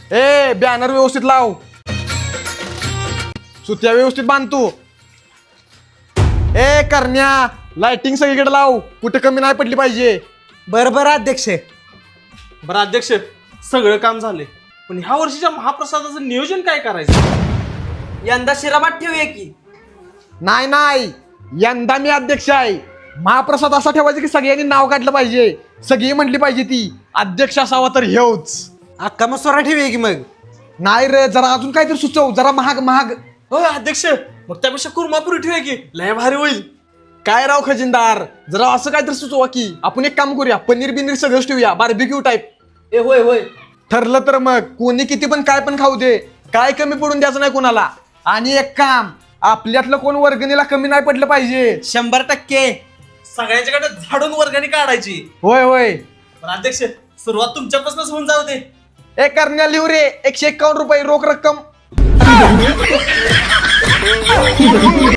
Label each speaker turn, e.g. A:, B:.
A: ए banner व्यवस्थित लाव, सुत्या व्यवस्थित बांध तू. ए करण्या, लाइटिंग सगळीकडे लाव, कुठे कमी नाही पडली पाहिजे.
B: बरोबर अध्यक्ष.
C: बरं अध्यक्ष, सगळं काम झाले, पण ह्या वर्षीच्या महाप्रसादाचं नियोजन काय करायचं?
B: यंदा शिरामात ठेवूया की.
A: नाही नाही, यंदा मी अध्यक्ष आहे. महाप्रसाद असा ठेवायचा की सगळ्यांनी नाव काढलं पाहिजे, सगळी म्हटली पाहिजे ती अध्यक्ष असावा तर हेच.
B: अक्का मसोरा ठेवूया की मग.
A: नाही रे, जरा अजून काहीतरी सुचव, जरा महाग महाग.
C: हो अध्यक्ष, मग त्यापेक्षा कुर्मापुरी ठेवूया की, लय भारी होईल.
A: काय राव खजिनदार, जरा असं काहीतरी सुचवा की. आपण एक काम करूया, पनीर बिनीर सगळंच ठेवूया, बार्बिक्यू टाईप.
B: ए होय होय.
A: ठरलं तर मग कोणी किती पण काय पण खाऊ दे, काय कमी पडून द्यायचं नाही कोणाला. आणि एक काम, आपल्यातलं कोण वर्गणीला कमी नाही पडलं पाहिजे.
B: 100%.
C: सगळ्यांच्याकडे झाडून वर्गणी काढायची.
A: होय होय.
C: पण अध्यक्ष, सुरुवात तुमच्यापासूनच होऊन जाऊ दे.
A: ए करण्या लिहू रे, 151 रुपये रोख रक्कम.